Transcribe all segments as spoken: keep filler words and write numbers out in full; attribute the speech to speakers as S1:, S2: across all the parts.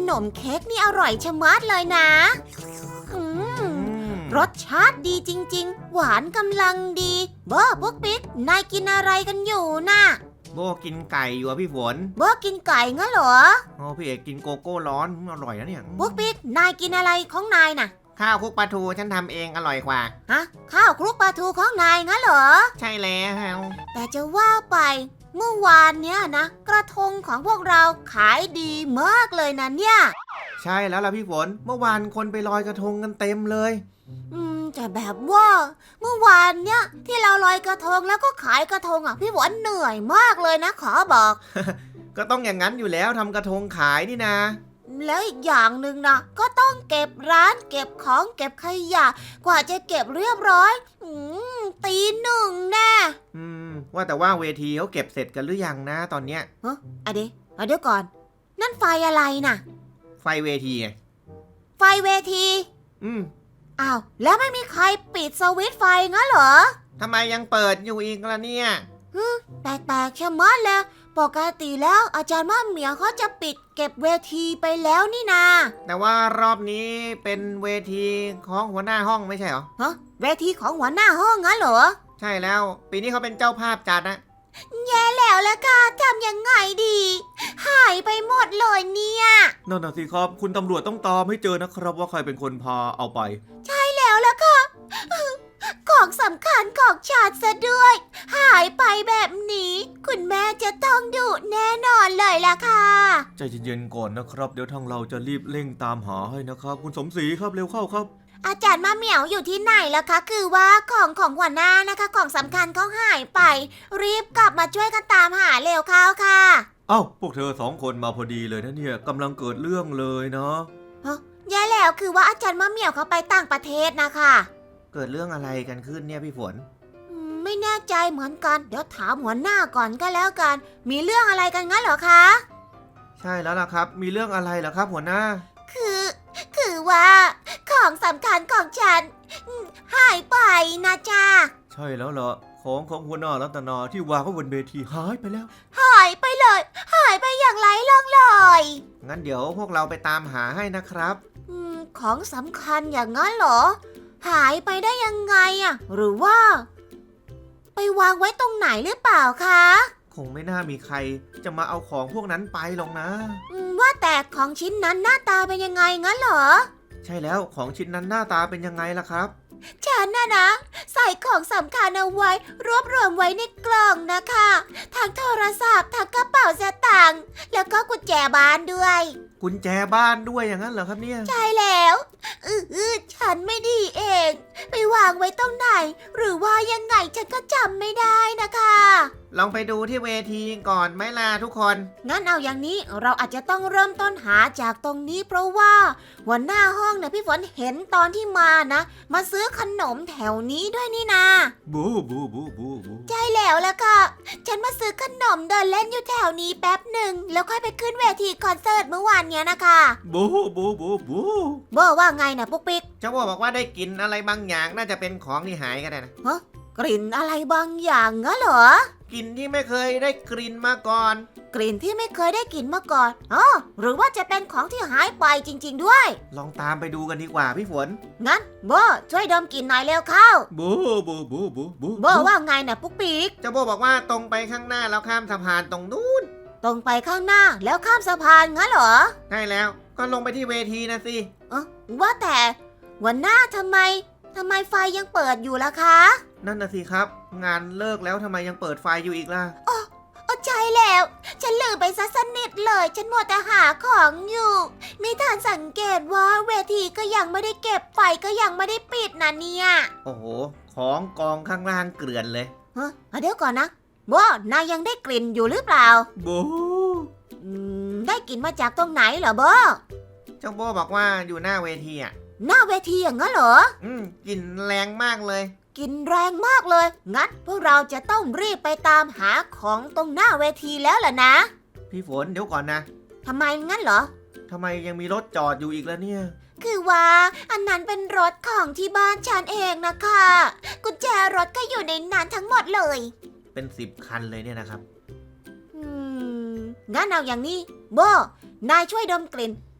S1: นมเค้กนี่อร่อยชะมัดเลยนะอืมรสชาติดีจริงๆหวานกำลังดีโบพวกปิ๊กนายกินอะไรกันอยู่น่ะ
S2: โบกินไก่อยู่อะพี่ฝน
S1: โบกินไก่งั้นเหรอ
S2: โอ้พี่เอกกินโกโก้ร้อนอร่อยนะเนี่ย
S1: พวกปิ๊กนายกินอะไรของนายน่ะ
S2: ข้าวคลุกปลาทูฉันทำเองอร่อยกว่า
S1: ฮะข้าวคลุกปลาทูของนายงั้นเหรอ
S2: ใช่แล้ว
S1: แต่จะว่าไปเมื่อวานเนี้ยนะกระทงของพวกเราขายดีมากเลยนะเนี่ย
S2: ใช่แล้วล่ะพี่ฝนเมื่อวานคนไปลอยกระทงกันเต็มเลย
S1: อืมแต่แบบว่าเมื่อวานเนี้ยที่เราลอยกระทงแล้วก็ขายกระทงอ่ะพี่ฝนเหนื่อยมากเลยนะขอบอก
S2: ก็ต้องอย่างนั้นอยู่แล้วทำกระทงขายนี่นะ
S1: แล้วอีกอย่างหนึ่งนะก็ต้องเก็บร้านเก็บของเก็บขยะกว่าจะเก็บเรียบร้อยอืมตีหนึ่งแน่
S2: อืมว่าแต่ว่าเวทีเขาเก็บเสร็จกันหรือยังนะตอนเนี้ย
S1: ฮะอะเดี๋ยวเดี๋ยวก่อนนั่นไฟอะไรน่ะ
S2: ไฟเวทีไง
S1: ไฟเวที
S2: อืม
S1: อ้าวแล้วไม่มีใครปิดสวิตช์ไฟงั้นเหรอ
S2: ทำไมยังเปิดอยู่อีกล่ะเนี่ย
S1: ฮึแปลกๆชะมัดเลยปกติแล้วอาจารย์ม่าเหมียวเขาจะปิดเก็บเวทีไปแล้วนี่นา
S2: แต่ว่ารอบนี้เป็นเวทีของหัวหน้าห้องไม่ใช่เหรอ
S1: ฮะเวทีของหัวหน้าห้องงั้นเหรอ
S2: ใช่แล้วปีนี้เขาเป็นเจ้าภาพจัดนะ
S1: แย่แล้วล่ะค่ะทำยังไงดีหายไปหมดเลยเนี่ย
S2: นั่นน่ะสิครับคุณตำรวจต้องตามให้เจอนะครับว่าใครเป็นคนพาเอาไป
S1: ใช่แล้วล่ะค่ะของสำคัญของชาติซะด้วยหายไปแบบนี้คุณแม่จะต้องดุแน่นอนเลยล่ะค่ะ
S2: ใจเย็นๆก่อนนะครับเดี๋ยวทางเราจะรีบเร่งตามหาให้นะครับคุณสมศรีครับเร็วเข้าครับ
S1: อาจารย์มาเหมียวอยู่ที่ไหนล่ะคะคือว่าของของหัวหน้านะคะของสำคัญเขาหายไปรีบกลับมาช่วยกันตามหาเร็วเข้าค่ะ
S2: เอ้าพวกเธอสองคนมาพอดีเลยนะเนี่ยกำลังเกิดเรื่องเลยเนาะ
S1: ฮะแย่แล้วคือว่าอาจารย์มาเหมียวเขาไปต่างประเทศนะคะ
S2: เกิดเรื่องอะไรกันขึ้นเนี่ยพี่ฝน
S1: ไม่แน่ใจเหมือนกันเดี๋ยวถามหัวหน้าก่อนก็แล้วกันมีเรื่องอะไรกันงั้นเหรอคะ
S2: ใช่แล้วล่ะครับมีเรื่องอะไรเหรอครับหัวหน้า
S1: คือคือว่าของสำคัญของฉันหายไปนะจ๊ะ
S2: ใช่แล้วเหรอของของหัวหน้ารัตนาที่วางไว้บนเวทีหายไปแล้ว
S1: หายไปเลยหายไปอย่างไร้ร่องรอย
S2: งั้นเดี๋ยวพวกเราไปตามหาให้นะครับ
S1: อืมของสำคัญอย่างนั้นเหรอหายไปได้ยังไงอะหรือว่าไปวางไว้ตรงไหนหรือเปล่าคะ
S2: คงไม่น่ามีใครจะมาเอาของพวกนั้นไปหรอกนะ
S1: ว่าแต่ของชิ้นนั้นหน้าตาเป็นยังไงงั้นเหรอ
S2: ใช่แล้วของชิ้นนั้นหน้าตาเป็นยังไงล่ะครับ
S1: ฉันน่ะนะใส่ของสำคัญเอาไว้รวบรวมไว้ในกล่องนะคะทั้งโทรศัพท์ทั้งกระเป๋าสตางค์แล้วก็กุญแจบ้านด้วย
S2: กุญแจบ้านด้วยอย่างนั้นเหรอครับเนี่ย
S1: ใช่แล้วอือฉันไม่ดีเองไปวางไว้ตรงไหนหรือว่ายังไงฉันก็จำไม่ได้นะคะ
S2: ลองไปดูที่เวทีก่อนไหมล่ะทุกคน
S1: งั้นเอาอย่างนี้เราอาจจะต้องเริ่มต้นหาจากตรงนี้เพราะว่าหัวหน้าห้องเนี่ยพี่ฝนเห็นตอนที่มานะมาซื้อขนมแถวนี้ด้วยนี่นา
S2: บูบูบูบูบู
S1: ใช่แล้วล่ะค่ะฉันมาซื้อขนมเดินเล่นอยู่แถวนี้แป๊บหนึ่งแล้วค่อยไปขึ้นเวทีคอนเสิร์ตเมื่อวานเนี้ยนะคะ
S2: บูบูบูบู
S1: เบอร์ว่าไงนะปุ๊กปิ๊ก
S2: เจ้าบัวบอกว่าได้กลิ่นอะไรบางอย่างน่าจะเป็นของที่หายกันนะ
S1: ฮะกลิ่นอะไรบางอย่างงั้นเหร
S2: อกลิ่นที่ไม่เคยได้กลิ่นมาก่อน
S1: กลิ่นที่ไม่เคยได้กลิ่นมาก่อนอ๋อหรือว่าจะเป็นของที่หายไปจริงๆด้วย
S2: ลองตามไปดูกันดีกว่าพี่ฝน
S1: งั้นโบช่วยดมกลิ่นหน่อยเร็วเข้า
S2: บูบูบูบูบู
S1: โบว่าไงนะปุ๊กปิ๊ก
S2: เจ้าโบบอกว่าตรงไปข้างหน้าแล้วข้ามสะพานตรงนู้น
S1: ตรงไปข้างหน้าแล้วข้ามสะพานงั้นเหรอ
S2: ใช่แล้วก็ลงไปที่เวทีนะสิ
S1: เออว่าแต่วันหน้าทำไมทำไมไฟยังเปิดอยู่ล่ะคะ
S2: นั่นน่ะสิครับงานเลิกแล้วทำไมยังเปิดไฟอยู่อีกล่ะ
S1: อ๋อใช่แล้วฉันลืมไปซะสนิทเลยฉันมัวแต่หาของอยู่ไม่ทันสังเกตว่าเวทีก็ยังไม่ได้เก็บไฟก็ยังไม่ได้ปิดนะเนี่ย
S2: โอ้โหของกองข้างล่างเกลื่อนเลย
S1: ฮะเดี๋ยวก่อนนะโบนายยังได้กลิ่นอยู่หรือเปล่า
S2: โบ
S1: ได้กลิ่นมาจากตรงไหนเหรอโบ
S2: เจ้าโบบอกว่าอยู่หน้าเวทีอ่ะ
S1: หน้าเวทีอย่างนั้นเหรอ
S2: อืมกลิ่นแรงมากเลย
S1: กลิ่นแรงมากเลยงั้นพวกเราจะต้องรีบไปตามหาของตรงหน้าเวทีแล้วล่ะนะ
S2: พี่ฝนเดี๋ยวก่อนนะ
S1: ทำไมงั้นเหรอ
S2: ทำไมยังมีรถจอดอยู่อีกแล้วเนี่ย
S1: คือว่าอันนั้นเป็นรถของที่บ้านฉันเองนะคะกุญแจรถก็อยู่ในนั้นทั้งหมดเลย
S2: เป็นสิบคันเลยเนี่ยนะครับ
S1: อืมงั้นเอาอย่างนี้โบนายช่วยดมกลิ่น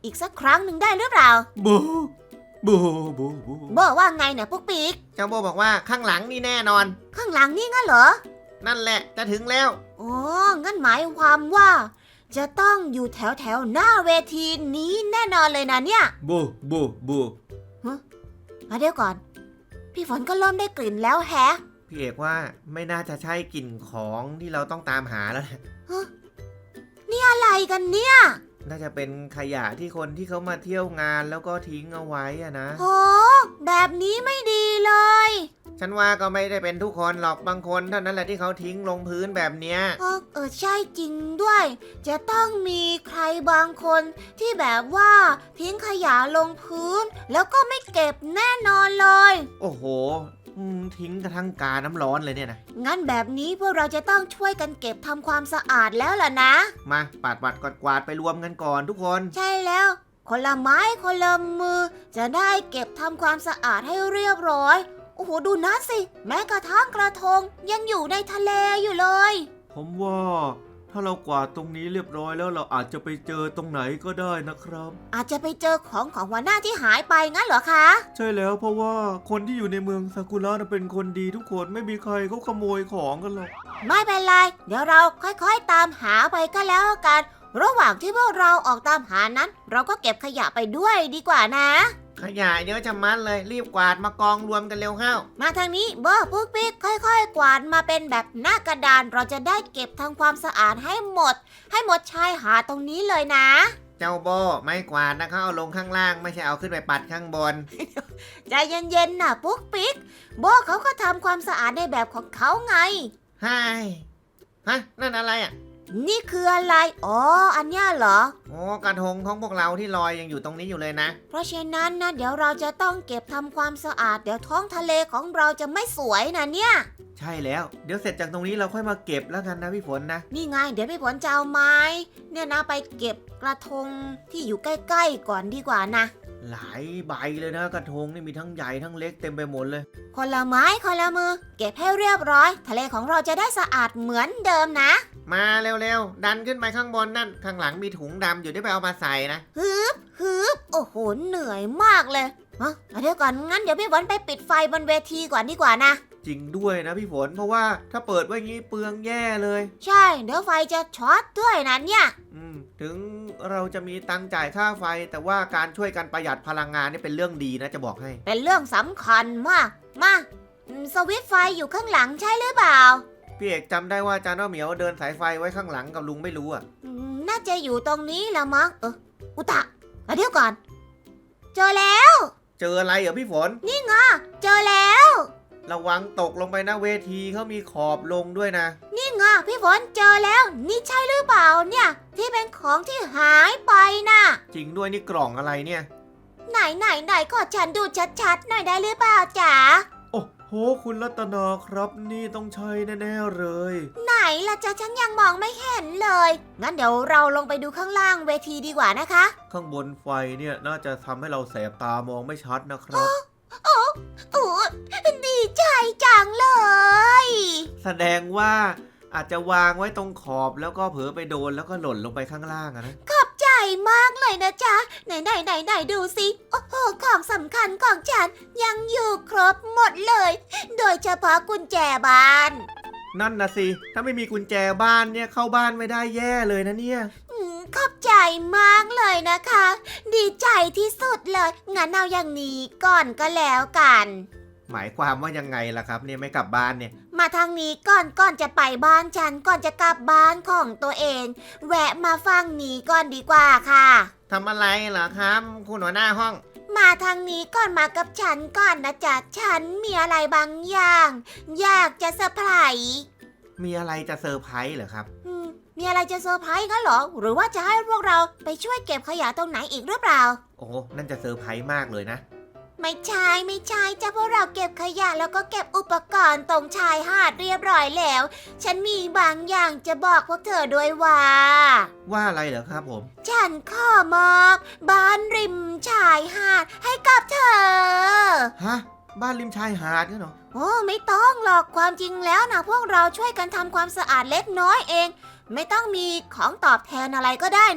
S1: อีกสักครั้งหนึ่งได้หรือเปล่า
S2: บูบูบูบู
S1: โบว่าไงเนี่ยปุ๊กปิ๊ก
S3: เจ้าโบบอกว่าข้างหลังนี่แน่นอน
S1: ข้างหลังนี่งั้นเหรอ
S3: นั่นแหละจะถึงแล้ว
S1: อ๋อ งั้นหมายความว่า จะต้องอยู่แถวแถวๆหน้าเวทีนี้แน่นอนเลยนะเนี่ย
S2: บูบูบู
S1: มาเดี๋ยวก่อน พี่ฝนก็เริ่มได้กลิ่นแล้วแฮะ
S3: พี่เอกว่าไม่น่าจะใช่กลิ่นของที่เราต้องตามหาแล้วแหละ
S1: นี่อะไรกันเนี่ย
S3: น่าจะเป็นขยะที่คนที่เขามาเที่ยวงานแล้วก็ทิ้งเอาไว้อะนะ
S1: โห แบบนี้ไม่ดีเลย
S3: ฉันว่าก็ไม่ได้เป็นทุกคนหรอกบางคนเท่านั้นแหละที่เขาทิ้งลงพื้นแบบเนี้ย
S1: เออเออใช่จริงด้วย จะต้องมีใครบางคนที่แบบว่าทิ้งขยะลงพื้น แล้วก็ไม่เก็บแน่นอนเลย
S3: โอ้โหอืมทิ้งกระทั่งกาน้ำร้อนเลยเนี่ยนะ
S1: งั้นแบบนี้พวกเราจะต้องช่วยกันเก็บทำความสะอาดแล้วล่ะนะ
S3: มาปาดปัดกวาดกวาดไปรวมกันก่อนทุกคน
S1: ใช่แล้ว คนละไม้คนละมือ จะได้เก็บทำความสะอาดให้เรียบร้อย โอ้โหดูนะสิ แม้กระทั่งกระทงยังอยู่ในทะเลอยู่เลย
S2: ผมว่าถ้าเรากวาดตรงนี้เรียบร้อยแล้วเราอาจจะไปเจอตรงไหนก็ได้นะครับ
S1: อาจจะไปเจอของของหัวหน้าที่หายไปงั้นเหรอคะ
S2: ใช่แล้วเพราะว่าคนที่อยู่ในเมืองซากุระน่ะเป็นคนดีทุกคนไม่มีใครเขาขโมยของกันหรอก
S1: ไม่เป็นไร เดี๋ยวเราค่อยๆตามหาไปก็แล้วกัน ระหว่างที่พวกเราออกตามหานั้น เราก็เก็บขยะไปด้วยดีกว่านะ
S3: ขยะเยอะจะมัดเลยรีบกวาดมากองรวมกันเร็วเข้า
S1: มาทางนี้เบอร์ปุ๊กปิ๊กค่อยๆ กวาดมาเป็นแบบหน้ากระดาน เราจะได้เก็บทำความสะอาดให้หมด ให้หมดชายหาดตรงนี้เลยนะ
S3: เจ้าโบไม่กวาดนะเขาเอาลงข้างล่างไม่ใช่เอาขึ้นไปปัดข้างบน
S1: ใจเย็นๆนะปุ๊กปิ๊กโบเขาก็ทำความสะอาดในแบบของเขาไง
S3: ไฮฮะนั่นอะไรอ่ะ
S1: นี่คืออะไร อ๋อ อันเนี้ยเหรอ
S3: โอ้กระทงของพวกเราที่ลอยยังอยู่ตรงนี้อยู่เลยนะ
S1: เพราะฉะนั้นนะเดี๋ยวเราจะต้องเก็บทำความสะอาด เดี๋ยวท้องทะเลของเราจะไม่สวยนะเนี่ย
S3: ใช่แล้ว เดี๋ยวเสร็จจากตรงนี้เราค่อยมาเก็บแล้วกันนะพี่ฝนนะ
S1: นี่ไง เดี๋ยวพี่ฝนจะเอาไม้ เนี่ยนะไปเก็บกระทงที่อยู่ใกล้ๆก่อนดีกว่านะ
S3: หลายใบเลยนะกระทงนี่มีทั้งใหญ่ทั้งเล็กเต็มไปหมดเลย
S1: คนละไม้คนละมือ เก็บให้เรียบร้อย ทะเลของเราจะได้สะอาดเหมือนเดิมนะ
S3: มาเร็วๆดันขึ้นไปข้างบนนั่นข้างหลังมีถุงดำอยู่ได้ไปเอามาใส่นะ
S1: ฮึบฮึบโอ้โห เหนื่อยมากเลยฮะเอาเดี๋ยวก่อน งั้นเดี๋ยวพี่ฝนไปปิดไฟบนเวทีก่อนดีกว่านะ
S3: จริงด้วยนะพี่ฝนเพราะว่าถ้าเปิดไว้งี้เปลืองแย่เลย
S1: ใช่ เดี๋ยวไฟจะช็อตด้วยนะเนี่ย
S3: อืมถึงเราจะมีตังค์จ่ายค่าไฟ แต่ว่าการช่วยกันประหยัดพลังงานนี่เป็นเรื่องดีนะจะบอกให้
S1: เป็นเรื่องสำคัญมาก มาอืมสวิตช์ไฟอยู่ข้างหลังใช่หรือเปล่า
S3: พี่เอกจำได้ว่าจานว่าเหมียวเดินสายไฟไว้ข้างหลังกับลุงไม่รู้อ่ะ
S1: อืมน่าจะอยู่ตรงนี้ละมั้ง เอออุตะเอาเดี๋ยวก่อน เจอแล้ว
S3: เจออะไรเหรอพี่ฝน
S1: เจอแล้ว
S3: ระวังตกลงไปนะเวทีเขามีขอบลงด้วยนะ
S1: นี่ไงพี่ฝนเจอแล้ว นี่ใช่หรือเปล่าเนี่ย ที่เป็นของที่หายไปน่ะ
S3: จริงด้วยนี่กล่องอะไรเนี่ย
S1: ไหนไหนไหนขอฉันดูชัดๆหน่อยได้หรือเปล่าจ๋า
S2: โอ้โหคุณรัตนาครับนี่ต้องใช่แน่ๆเลย
S1: ไหนล่ะจ๊ะฉันยังมองไม่เห็นเลย งั้นเดี๋ยวเราลงไปดูข้างล่างเวทีดีกว่านะคะ
S2: ข้างบนไฟเนี่ยน่าจะทำให้เราแสบตามองไม่ชัดนะครับ
S1: โอ้โอ้ดีใจจังเลย
S3: แสดงว่าอาจจะวางไว้ตรงขอบแล้วก็เผลอไปโดนแล้วก็หล่นลงไปข้างล่างอะนะ
S1: ขอบใจมากเลยนะจ๊ะ ไหนไหนไหนไหนดูสิ โอ้โห ของสำคัญของฉันยังอยู่ครบหมดเลย โดยเฉพาะกุญแจบ้าน
S3: นั่นนะสิถ้าไม่มีกุญแจบ้านเนี่ยเข้าบ้านไม่ได้แย่เลยนะเนี่ย
S1: อืมขอบใจมากเลยนะคะ ดีใจที่สุดเลย งั้นเอาอย่างนี้ก่อนก็แล้วกัน
S3: หมายความว่ายังไงล่ะครับเนี่ยไม่กลับบ้านเนี่ย
S1: มาทางนี้ก่อนก่อนจะไปบ้านฉันก่อนจะกลับบ้านของตัวเอง แวะมาฟังนี้ก่อนดีกว่าค่ะ
S3: ทำอะไรเหรอครับ คุณหัวหน้าห้อง
S1: มาทางนี้ก่อนมากับฉันก่อนนะจ๊ะฉันมีอะไรบางอย่าง อยากจะเซอร์ไพรส์
S3: มีอะไรจะเซอร์ไพรส์เหรอครับ
S1: อืมมีอะไรจะเซอร์ไพรส์กันเหรอ หรือว่าจะให้พวกเราไปช่วยเก็บขยะตรงไหนอีกหรือเปล่า
S3: โอ้นั่นจะเซอร์ไพรส์มากเลยนะ
S1: ไม่ใช่ไม่ใช่จ้ะพวกเราเก็บขยะแล้วก็เก็บอุปกรณ์ตรงชายหาดเรียบร้อยแล้ว ฉันมีบางอย่างจะบอกพวกเธอด้วยว่า
S3: ว่าอะไรเหรอครับผม
S1: ฉันขอมอบบ้านริมชายหาดให้กับเธอ
S3: ฮะ บ้านริมชายหาดเนี่ยเหรอ
S1: โอ้ไม่ต้องหรอกความจริงแล้วนะพวกเราช่วยกันทำความสะอาดเล็กน้อยเอง ไม่ต้องมีของตอบแทนอะไรก็ได้นะ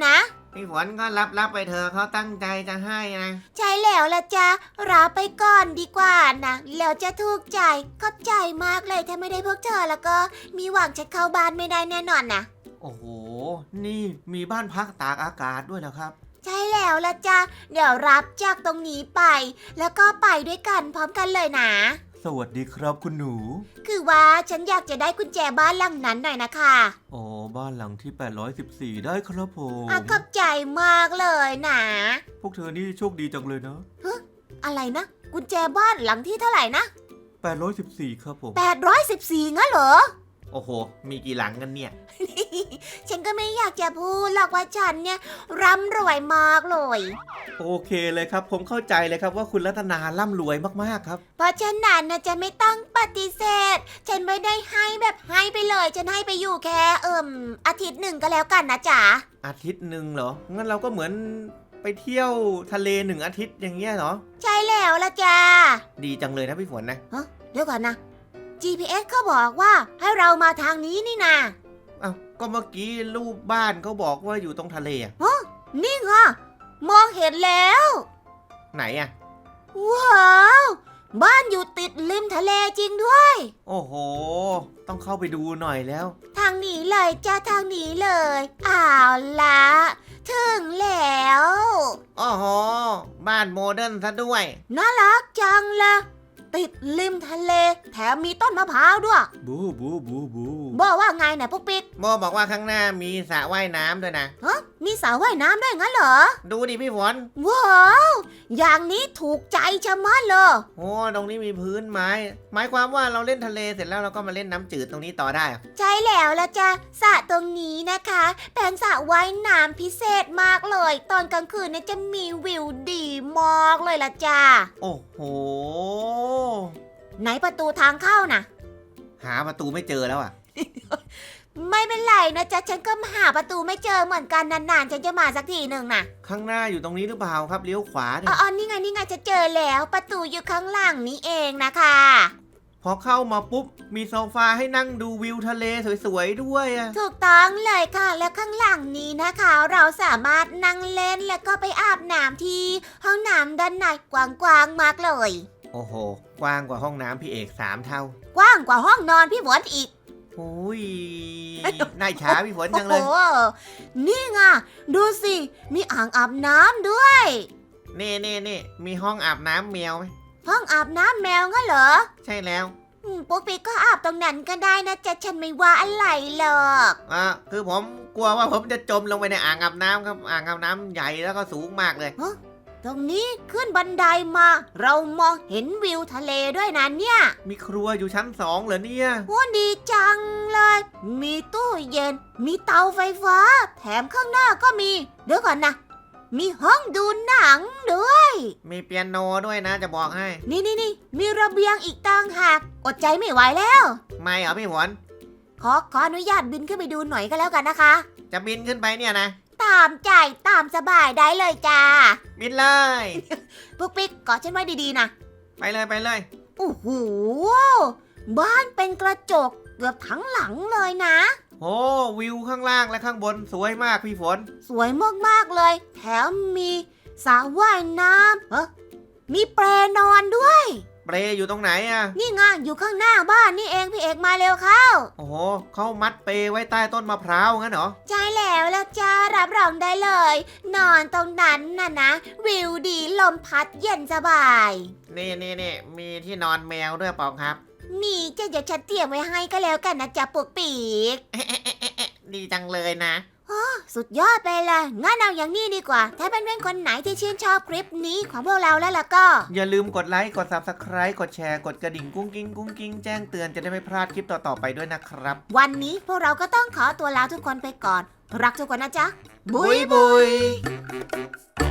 S3: พี่ฝนก็รับรับไปเถอะเขาตั้งใจจะให้นะ
S1: ใช่แล้วละจ้ารับไปก่อนดีกว่านะแล้วจะถูกใจขอบใจมากเลยถ้าไม่ได้พวกเธอแล้วก็มีหวังจะเข้าบ้านไม่ได้แน่นอนนะ
S3: โอ้โห นี่มีบ้านพักตากอากาศด้วยเหรอครับ
S1: ใช่แล้วละจ้าเดี๋ยวรับจากตรงนี้ไป แล้วก็ไปด้วยกันพร้อมกันเลยนะ
S2: สวัสดีครับคุณหนู
S1: คือว่าฉันอยากจะได้กุญแจบ้านหลังนั้นหน่อยนะคะ
S2: อ๋อบ้านหลังที่แปดร้อยสิบสี่ได้ครับผม
S1: อ่ะขอบใจมากเลยนะ
S2: พวกเธอนี่โชคดีจังเลยนะ
S1: อะไรนะ กุญแจบ้านหลังที่เท่าไหร่นะ
S2: แปดร้อยสิบสี่ครับผม
S1: แปดร้อยสิบสี่งั้นเหรอ
S3: โอ้โห มีกี่หลังกันเนี่ย
S1: ฉันก็ไม่อยากจะพูดหรอกว่าฉันเนี่ยร่ำรวยมากเลย
S3: โอเคเลยครับ ผมเข้าใจเลยครับว่าคุณรัตนาร่ำรวยมากๆครับ
S1: เพราะฉะนั้นนะจะไม่ต้องปฏิเสธ ฉันไม่ได้ให้แบบให้ไปเลย ฉันให้ไปอยู่แค่เอิ่มอาทิตย์หนึ่งก็แล้วกันนะจ๊ะ
S3: อาทิตย์หนึ่งเหรอ งั้นเราก็เหมือนไปเที่ยวทะเลหนึ่งอาทิตย์อย่างเงี้ยเหรอ
S1: ใช่แล้วละจ้า
S3: ดีจังเลยนะพี่ฝนนะ
S1: เดี๋ยวก่อนนะ จี พี เอส เขาบอกว่าให้เรามาทางนี้นี่นา
S3: อ้าว ก็เมื่อกี้รูปบ้านเขาบอกว่าอยู่ตรงทะเลอะ
S1: นี่ไงมองเห็นแล้ว
S3: ไหนอะ
S1: ว้าว บ้านอยู่ติดริมทะเลจริงด้วย
S3: โอ้โห ต้องเข้าไปดูหน่อยแล้ว
S1: ทางนี้เลยจ้าทางนี้เลยอ้าวละถึงแล้ว
S3: โอ้โห บ้านโมเดิร์นซะด้วย
S1: น่ารักจังเลยติดริมทะเล แถมมีต้นมะพร้าวด้วย
S2: บูบูบูบู
S1: บอกว่าไงนะพวกปิ๊ก
S3: โมบอกว่าข้างหน้ามีสระว่ายน้ำด้วยนะ
S1: ฮะมีสระว่ายน้ำด้วยงั้นเหรอ
S3: ดูดิพี่ฝน
S1: ว้าว อย่างนี้ถูกใจชะมัดเลย
S3: โอ้ตรงนี้มีพื้นไม้ หมายความว่าเราเล่นทะเลเสร็จแล้วเราก็มาเล่นน้ำจืดตรงนี้ต่อได้อะ
S1: ใช่แล้วละจ้ะสระตรงนี้นะคะเป็นสระว่ายน้ำพิเศษมากเลย ตอนกลางคืนเนี่ยจะมีวิวดีมากเลยละจ้า
S3: โอ้โห
S1: ไหนประตูทางเข้านะ
S3: หาประตูไม่เจอแล้วอ่ะ
S1: ไม่เป็นไรนะจ๊ะฉันก็หาประตูไม่เจอเหมือนกันนานๆฉันจะมาสักทีหนึ่งนะ
S3: ข้างหน้าอยู่ตรงนี้หรือเปล่าครับเลี้ยวขวา
S1: อ๋
S3: เนี่ย
S1: ออนี่ไงนี่ไงจะเจอแล้วประตูอยู่ข้างหลังนี้เองนะคะ
S3: พอเข้ามาปุ๊บ มีโซฟาให้นั่งดูวิวทะเลสวยๆด้วยอะ
S1: ถูกต้องเลยค่ะ แล้วข้างหลังนี้นะคะ เราสามารถนั่งเล่นแล้วก็ไปอาบน้ำที่ห้องน้ำด้านในกว้างๆมากเลย
S3: โอ้โห กว้างกว่าห้องน้ำพี่เอกสามเท่า
S1: กว้างกว่าห้องนอนพี่ฝนอีก
S3: โอ้ย น่าอิจฉาพี่ฝนจังเลย
S1: โอ้โหนี่ไงดูสิ มีอ่างอาบน้ำด้วย
S3: นี่นี่นี่มีห้องอาบน้ำแมวไหม
S1: ห้องอาบน้ำแมวงั้นเหรอ
S3: ใช่แล้ว
S1: อืมปุ๊กปิ๊กก็อาบตรงนั้นก็ได้นะจ๊ะฉันไม่ว่าอะไรหรอก
S3: อ่าคือผมกลัวว่าผมจะจมลงไปในอ่างอาบน้ำครับ อ่างอาบน้ำใหญ่แล้วก็สูงมากเลย
S1: ตรงนี้ขึ้นบันไดมา เรามองเห็นวิวทะเลด้วยนะเนี่ย
S3: มีครัวอยู่ชั้นสองเหรอเนี่ย
S1: โอ้ดีจังเลย มีตู้เย็น มีเตาไฟฟ้า แถมข้างหน้าก็มี เดี๋ยวก่อนนะ มีห้องดูหนังด้วย
S3: มีเปียโนด้วยนะจะบอกให้
S1: นี่นี่นี่มีระเบียงอีกต่างหากอดใจไม่ไหวแล้ว
S3: ไม่เหรอพี่ฝน
S1: ขอขออนุญาตบินขึ้นไปดูหน่อยก็แล้วกันนะคะ
S3: จะบินขึ้นไปเนี่ยนะ
S1: ตามใจตามสบายได้เลยจ้า
S3: บินเลย
S1: ปุ๊กปิ๊กกอดฉันไว้ดีๆนะ
S3: ไปเลยไปเลย
S1: โอ้โห บ้านเป็นกระจกเกือบทั้งหลังเลยนะ
S3: โอ้วิวข้างล่างและข้างบนสวยมากพี่ฝน
S1: สวยมากๆเลย แถมมีสระว่ายน้ำเฮ้มีแปรนอนด้วย
S3: เปรอยู่ตรงไหนอะ
S1: นี่ไงอยู่ข้างหน้าบ้านนี่เองพี่เอกมาเร็วเข้า
S3: โอ้โหเขามัดเปไว้ใต้ต้นมะพร้าวงั้นเหรอ
S1: ใช่แล้วละจ้ารับรองได้เลย นอนตรงนั้นน่ะนะ วิวดีลมพัดเย็นสบาย
S3: นี่นี่นี่มีที่นอนแมวด้วยเปล่าครับ
S1: มีจะเดี๋ยวฉันเตรียมไว้ให้ก็แล้วกันนะจ๊ะปุกปีก
S3: ดีจังเลยนะ
S1: สุดยอดไปเลยงั้นเอาอย่างนี้ดีกว่า ถ้าเป็นเพื่อนๆคนไหนที่ชื่นชอบคลิปนี้ของพวกเราแล้วล่ะก็
S3: อย่าลืมกดไลค์กด ซับสไครบ์ กดแชร์กดกระดิ่งกุ้งกิ้งกุ้งกิ้งแจ้งเตือนจะได้ไม่พลาดคลิปต่อๆไปด้วยนะครับ
S1: วันนี้พวกเราก็ต้องขอตัวลาทุกคนไปก่อน รักทุกคนนะจ๊ะ บุยบุ
S3: บุ
S1: ย
S3: ย